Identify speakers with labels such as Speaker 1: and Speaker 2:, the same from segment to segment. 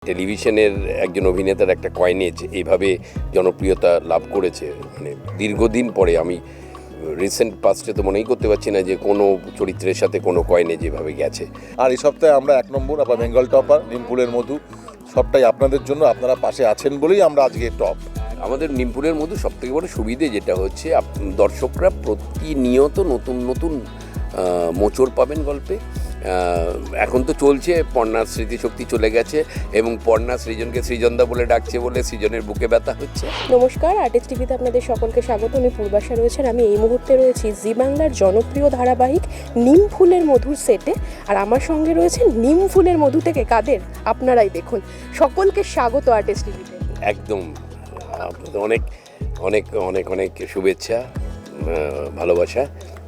Speaker 1: টেলিভিশনের একজন অভিনেতার একটা কয়েনেজ এইভাবে জনপ্রিয়তা লাভ করেছে, মানে দীর্ঘদিন পরে আমি রিসেন্ট পাস্টে তো মনেই করতে পারছি না যে কোনো চরিত্রের সাথে কোনো কয়েনেজ এভাবে গেছে।
Speaker 2: আর এই সপ্তাহে আমরা 1 নম্বর আবার বেঙ্গল টপার নিমপুরের মধু, সবটাই আপনাদের জন্য, আপনারা পাশে আছেন বলেই আমরা আজকে টপ।
Speaker 1: আমাদের নিমপুরের মধ্যে সবথেকে বড় সুবিধে যেটা হচ্ছে দর্শকরা প্রতিনিয়ত নতুন নতুন মোচড় পাবেন গল্পে। এখন তো চলছে পর্ণার স্মৃতিশক্তি চলে গেছে এবং পর্ণা সৃজনকে সৃজনদা বলে ডাকছে বলে সৃজনের বুকে ব্যথা হচ্ছে।
Speaker 3: নমস্কার, আর্টিস্ট টিভিতে আপনাদের সকলকে স্বাগত। আমি পূর্বাশা রয়েছেন। আমি এই মুহূর্তে রয়েছি জি বাংলার জনপ্রিয় ধারাবাহিক নিম ফুলের মধুর সেটে, আর আমার সঙ্গে রয়েছে নিম ফুলের মধু থেকে কাদের আপনারাই দেখুন। সকলকে স্বাগত আর্টিস্ট টিভিতে।
Speaker 1: একদম অনেক অনেক অনেক অনেক শুভেচ্ছা, ভালোবাসা।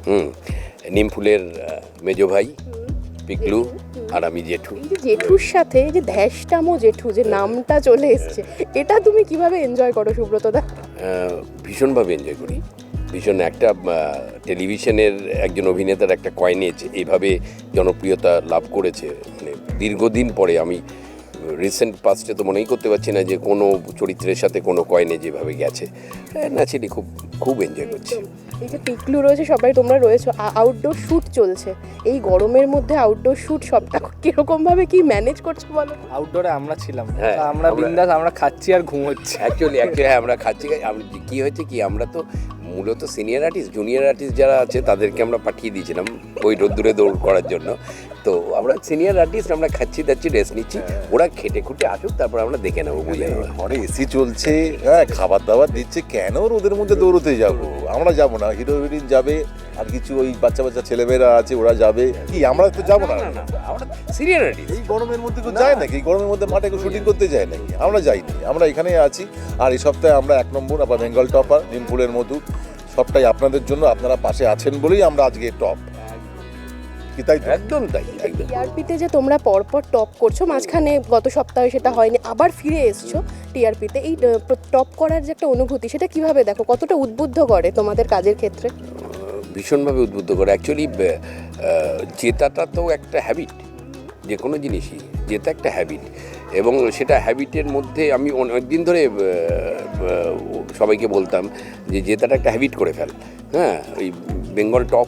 Speaker 1: নিম ফুলের মেজো ভাই পিকলু আর আমি জেঠু।
Speaker 3: এই যে জেঠুর সাথে এই যে ধ্যাসটামো জেঠু যে নামটা চলে এসছে, এটা তুমি কিভাবে এনজয় করো সুব্রতদা?
Speaker 1: ভীষণভাবে এনজয় করি, ভীষণ। একটা টেলিভিশনের একজন অভিনেতার একটা কয়েনেজ এইভাবে জনপ্রিয়তা লাভ করেছে, মানে দীর্ঘদিন পরে আমি রিসেন্ট পাস্টে তো মনেই করতে পারছি না যে কোনো চরিত্রের সাথে কোনো কয়েনেজ এভাবে গেছে। ন্যাচারালি খুব খুব এনজয় করছি।
Speaker 3: এই যে পিকলু রয়েছে, সবাই তোমরা রয়েছো, আউটডোর শ্যুট চলছে এই গরমের মধ্যে, আউটডোর শ্যুট সবটা কিরকম ভাবে কি ম্যানেজ করছো বলো?
Speaker 4: আউটডোরে আমরা ছিলাম,
Speaker 1: হ্যাঁ,
Speaker 4: আমরা বিন্দাস, আমরা খাচ্ছি আর ঘুমোচ্ছি।
Speaker 1: অ্যাকচুয়ালি হ্যাঁ, আমরা খাচ্ছি। কী হয়েছে কি, আমরা তো মূলত সিনিয়র আর্টিস্ট, জুনিয়র আর্টিস্ট যারা আছে তাদেরকে আমরা পাঠিয়ে দিয়েছিলাম ওই রোদ্দুরে দৌড় করার জন্য। তো আমরা সিনিয়র আর্টিস্ট, আমরা খাচ্ছি দাচ্ছি, রেস্ট নিচ্ছি, ওরা খেটে খুঁটে আসুক, তারপর আমরা দেখে নেবো, বুঝে নেবো।
Speaker 2: ঘরে এসি চলছে, হ্যাঁ, খাবার দাবার দিচ্ছে, কেন রোদের মধ্যে দৌড়তে যাবো? আমরা যাবো না, হিরো হিরোইন যাবে, আর কিছু ওই বাচ্চা বাচ্চা ছেলেমেয়েরা আছে ওরা যাবে, কি আমরা তো যাবো না?
Speaker 1: আমরা সিনিয়র আর্টিস্ট।
Speaker 2: এই গরমের মধ্যে কেউ যায় নাকি? এই গরমের মধ্যে মাঠে কেউ শুটিং করতে যায় নাকি? আমরা যাইনি, আমরা এখানেই আছি। আর এই সপ্তাহে আমরা 1 নম্বর আবার বেঙ্গল টপার নিমপুরের মধু, সবটাই আপনাদের জন্য, আপনারা পাশে আছেন বলেই আমরা আজকে টপ। কি তাই?
Speaker 1: একদম তাই, একদম।
Speaker 3: টিআরপিতে যে তোমরা পরপর টপ করছো, মাঝখানে গত সপ্তাহে সেটা হয়নি, আবার ফিরে এসছো টিআরপিতে, এই টপ করার যে একটা অনুভূতি, সেটা কিভাবে দেখো? কতটা উদ্বুদ্ধ করে তোমাদের কাজের ক্ষেত্রে?
Speaker 1: ভীষণভাবে উদ্বুদ্ধ করে। অ্যাকচুয়ালি জেতাটা তো একটা হ্যাবিট, যে কোনো জিনিসই জেতা একটা হ্যাবিট, এবং সেটা হ্যাবিটের মধ্যে আমি অনেকদিন ধরে সবাইকে বলতাম যে জেতাটা একটা হ্যাবিট করে ফেল। হ্যাঁ, ওই বেঙ্গল টপ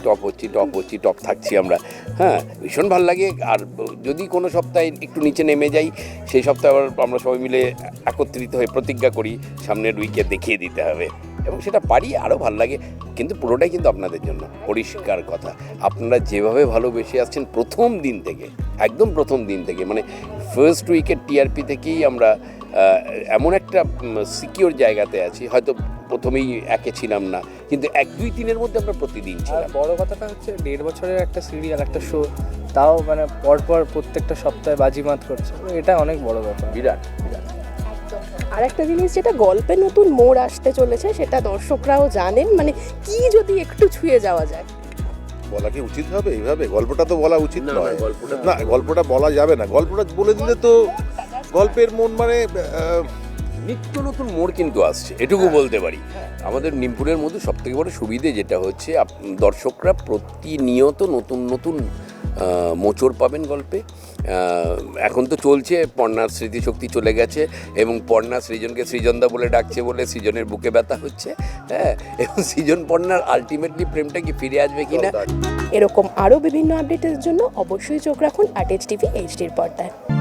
Speaker 1: থাকছি আমরা। হ্যাঁ, ভীষণ ভালো লাগে। আর যদি কোনো সপ্তাহে একটু নিচে নেমে যাই, সেই সপ্তাহে আবার আমরা সবাই মিলে একত্রিত হয়ে প্রতিজ্ঞা করি সামনের উইকে দেখিয়ে দিতে হবে, এবং সেটা পারি, আরও ভালো লাগে। কিন্তু পুরোটাই কিন্তু আপনাদের জন্য, পরিষ্কার কথা। আপনারা যেভাবে ভালোবেসে আসছেন প্রথম দিন থেকে, একদম প্রথম দিন থেকে, মানে ফার্স্ট উইকের টিআরপি থেকেই আমরা এমন একটা সিকিওর জায়গাতে আছি। হয়তো প্রথমেই একে ছিলাম না, কিন্তু 1, 2, 3-এর মধ্যে আমরা প্রতিদিন
Speaker 4: আর
Speaker 1: ছিলাম।
Speaker 4: বড় কথাটা হচ্ছে 1.5 বছরের একটা সিরিয়াল, একটা শো, তাও মানে পরপর প্রত্যেকটা সপ্তাহে বাজিমাত করছে, এটা অনেক বড় ব্যাপার,
Speaker 1: বিরাট বিরাট।
Speaker 3: আর একটা জিনিস, যেটা গল্পে নতুন মোড় আসতে চলেছে, সেটা দর্শকরাও জানেন, মানে কি যদি একটু ছুঁয়ে যাওয়া যায়?
Speaker 2: বলা কি উচিত হবে এইভাবে? গল্পটা তো বলা উচিত
Speaker 1: না,
Speaker 2: নয়।
Speaker 1: গল্পটা
Speaker 2: না, গল্পটা বলা যাবে না। গল্পটা বলে দিলে তো গল্পের মন, মানে
Speaker 1: নিত্য নতুন মোড় কিন্তু আসছে, এটুকু বলতে পারি। আমাদের নিমপুরের মধ্যে সবথেকে বড় সুবিধে যেটা হচ্ছে দর্শকরা প্রতিনিয়ত নতুন নতুন মোচড় পাবেন গল্পে। এখন তো চলছে পর্ণার স্মৃতিশক্তি চলে গেছে এবং পর্ণা সৃজনকে সৃজনদা বলে ডাকছে বলে সৃজনের বুকে ব্যথা হচ্ছে। হ্যাঁ, এবং সৃজন পর্ণার আলটিমেটলি প্রেমটা কি ফিরে আসবে কিনা।
Speaker 3: এরকম আরও বিভিন্ন আপডেটের জন্য অবশ্যই চোখ রাখুন আর্টিস্ট টিভি এইচডির পর্দায়।